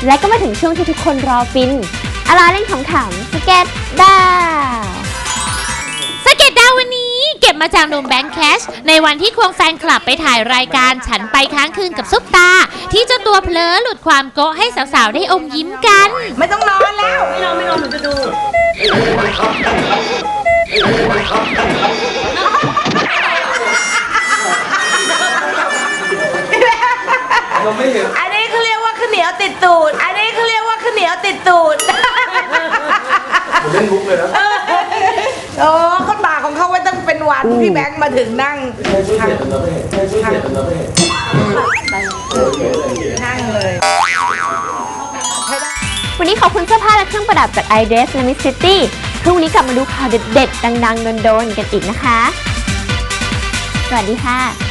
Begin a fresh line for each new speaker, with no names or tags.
และก็มาถึงช่วงที่ทุกคนรอฟินอาลาเล่นขำๆสเก็ตดาว
สเก็ตดาววันนี้เก็บมาจากหนุ่มแบงค์แคชในวันที่ควงแฟนคลับไปถ่ายรายการฉันไปค้างคืนกับซุปตาที่เจ้าตัวเผลอหลุดความโก๊ะให้สาวๆได้อมยิ้มกัน
ไม่ต้องนอนแล้วไม่นอนหนูจะดูอันนี้เขาเรียกว่าข้าวเหนียวติดตูดอันนี้เขาเรียกว่าข้าวเหนียวติดตูด
ผมเล่นมุกเลยนะ
โอ้เขาตาของเขาไว้ตั้งเป็นวันพี่แบงค์มาถึงนั่งนั่งเลย
วันนี้ขอบคุณเสื้อผ้าและเครื่องประดับจาก iDress และ Miss City พรุ่งนี้กลับมาดูข่าวเด็ดๆดังๆโดนๆกันอีกนะคะสวัสดีค่ะ